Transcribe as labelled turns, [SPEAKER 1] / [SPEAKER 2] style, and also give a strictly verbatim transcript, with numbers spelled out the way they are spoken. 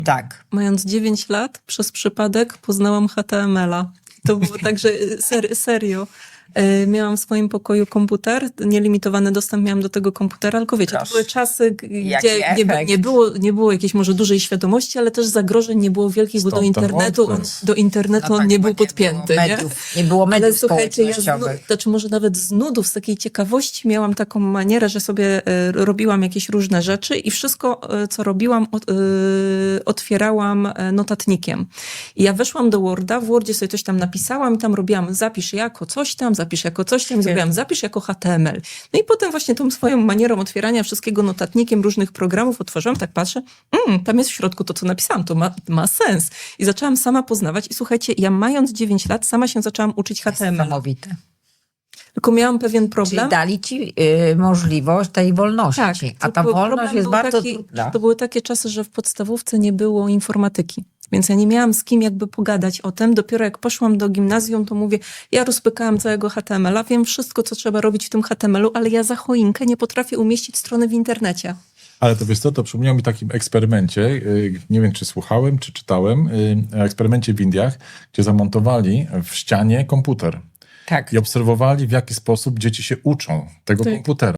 [SPEAKER 1] Tak.
[SPEAKER 2] Mając dziewięć lat, przez przypadek poznałam H T M L a. To było tak, że ser, serio. E, Miałam w swoim pokoju komputer, nielimitowany dostęp miałam do tego komputera, tylko wiecie,
[SPEAKER 1] Proszę.
[SPEAKER 2] to były czasy, g-
[SPEAKER 1] Jaki
[SPEAKER 2] gdzie nie,
[SPEAKER 1] efekt.
[SPEAKER 2] nie, było, nie było jakiejś może dużej świadomości, ale też zagrożeń nie było wielkich, bo do
[SPEAKER 3] Stąd ten
[SPEAKER 2] internetu, on,
[SPEAKER 3] WordPress.
[SPEAKER 2] do internetu
[SPEAKER 1] No
[SPEAKER 2] on
[SPEAKER 1] tak,
[SPEAKER 2] nie
[SPEAKER 1] bo
[SPEAKER 2] był podpięty.
[SPEAKER 1] było
[SPEAKER 2] Nie?
[SPEAKER 1] mediów, nie było
[SPEAKER 2] Ale
[SPEAKER 1] mediów
[SPEAKER 2] słuchajcie, ja z, nu-
[SPEAKER 1] społecznościowych.
[SPEAKER 2] znaczy może nawet z nudów, z takiej ciekawości miałam taką manierę, że sobie e, robiłam jakieś różne rzeczy i wszystko, e, co robiłam, od, e, otwierałam e, notatnikiem. I ja weszłam do Worda, w Wordzie sobie coś tam napisałam i tam robiłam zapisz jako coś tam, zapisz jako coś tam, zrobiłam zapisz jako H T M L. No i potem właśnie tą swoją manierą otwierania wszystkiego notatnikiem różnych programów otworzyłam, tak patrzę, mm, tam jest w środku to, co napisałam, to ma, ma sens. I zaczęłam sama poznawać i słuchajcie, ja mając dziewięć lat, sama się zaczęłam uczyć H T M L.
[SPEAKER 1] Niesamowite.
[SPEAKER 2] Tylko miałam pewien
[SPEAKER 1] Czyli
[SPEAKER 2] problem.
[SPEAKER 1] dali ci y, możliwość tej wolności.
[SPEAKER 2] Tak,
[SPEAKER 1] A ta
[SPEAKER 2] tylko
[SPEAKER 1] wolność
[SPEAKER 2] problem
[SPEAKER 1] jest
[SPEAKER 2] był
[SPEAKER 1] bardzo
[SPEAKER 2] taki,
[SPEAKER 1] trudna.
[SPEAKER 2] że to były takie czasy, że w podstawówce nie było informatyki. Więc ja nie miałam z kim jakby pogadać o tym. Dopiero jak poszłam do gimnazjum, to mówię, ja rozpykałam całego H T M L a, wiem wszystko, co trzeba robić w tym H T M L u, ale ja za choinkę nie potrafię umieścić strony w internecie.
[SPEAKER 3] Ale to wiesz co, to przypomniało mi takim eksperymencie, y, nie wiem czy słuchałem, czy czytałem, y, eksperymencie w Indiach, gdzie zamontowali w ścianie komputer
[SPEAKER 1] Tak.
[SPEAKER 3] i obserwowali, w jaki sposób dzieci się uczą tego
[SPEAKER 2] Tak.
[SPEAKER 3] komputera.